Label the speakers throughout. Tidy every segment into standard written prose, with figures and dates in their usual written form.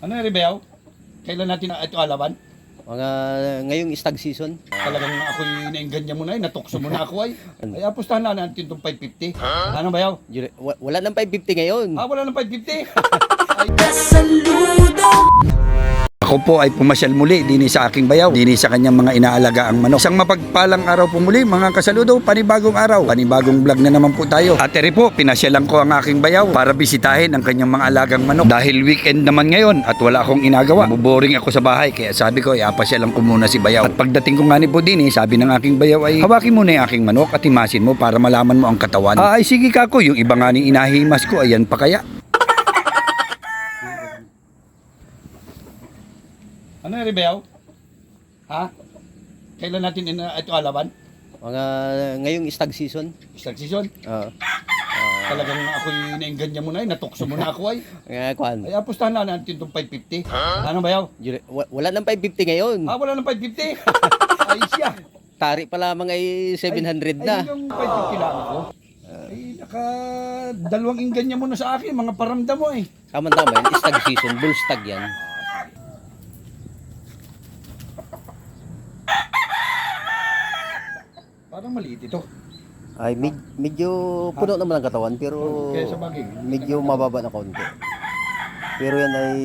Speaker 1: Ano yung Ribeaw? Kailan natin ito alaban?
Speaker 2: Mga ngayong stag season.
Speaker 1: Talagang ako'y naingganya mo na natukso mo na ako ay. Ay apustahan na natin itong 550. Ano ba yaw?
Speaker 2: Wala nang 550 ngayon.
Speaker 1: Wala nang 550.
Speaker 3: Ako po ay pumasyal muli dini sa aking bayaw, dini sa kanyang mga inaalaga ang manok. Isang mapagpalang araw po muli mga kasaludo, panibagong araw, panibagong vlog na naman po tayo. At eri po, pinasyalan ko ang aking bayaw para bisitahin ang kanyang mga alagang manok. Dahil weekend naman ngayon at wala akong inagawa, boring ako sa bahay, kaya sabi ko, apasyalan ko muna si bayaw. At pagdating ko nga ni po dini, sabi ng aking bayaw ay, hawakin mo na yung aking manok at himasin mo para malaman mo ang katawan. Ay sige kako, yung iba nga ni inahimas ko, ayan pa kaya.
Speaker 1: Ano yung Ribeaw? Ha? Kailan natin ito alaban?
Speaker 2: Mga ngayong stag season.
Speaker 1: Stag season?
Speaker 2: Oo.
Speaker 1: Talagang ako'y naingganya mo na natukso mo na ako ay.
Speaker 2: Kwan.
Speaker 1: Ay apustahan na natin itong 550. Ano ba yaw?
Speaker 2: Wala nang 550 ngayon.
Speaker 1: Wala nang 550. Ay siya.
Speaker 2: Tari pa lamang ay 700 na.
Speaker 1: Ay yung 550 lang ako. Ay dalawang ingganya mo na sa akin, mga paramdam mo eh.
Speaker 2: Tama-tama yan. Stag season. Bull stag yan.
Speaker 1: Parang maliit ito.
Speaker 2: Ay, medyo puno naman ang katawan pero
Speaker 1: Kaya sa bagay.
Speaker 2: medyo mababa na konti. Pero yan ay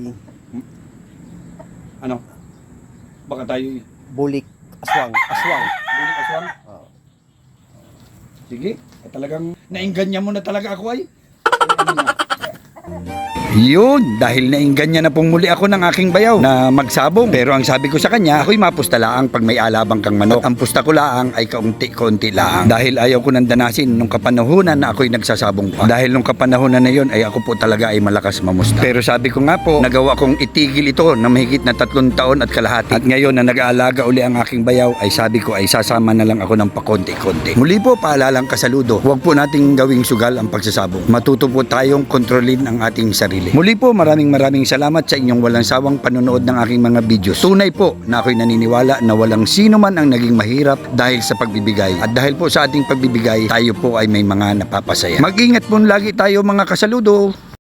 Speaker 1: Ano? Baka tayo
Speaker 2: bulik aswang. Aswang.
Speaker 1: bulik aswang.
Speaker 2: Oo.
Speaker 1: Sige. Talagang naingganya mo na talaga ako ay.
Speaker 3: Yun, dahil naingganya na pong muli ako ng aking bayaw na magsabong. Pero ang sabi ko sa kanya, ako'y mapusta laang pag may alabang kang manok. At ang pusta ko laang ay kaunti-kaunti laang. Dahil ayaw ko nang danasin nung kapanahunan na ako'y nagsasabong pa. Dahil nung kapanahunan na yon ay ako po talaga ay malakas mamusta. Pero sabi ko nga po, nagawa kong itigil ito na mahigit na 3 taon at kalahati. At ngayon na nag-aalaga uli ang aking bayaw, ay sabi ko ay sasama na lang ako ng pakonti-konti. Muli po, paalalang kasaludo, huwag po nating gawing sugal ang pagsasabong. Matuto po tayong kontrolin ang ating sarili. Muli po, maraming salamat sa inyong walang sawang panonood ng aking mga videos. Tunay po na ako'y naniniwala na walang sino man ang naging mahirap dahil sa pagbibigay. At dahil po sa ating pagbibigay, tayo po ay may mga napapasaya. Mag-ingat po lagi tayo mga kasaludo.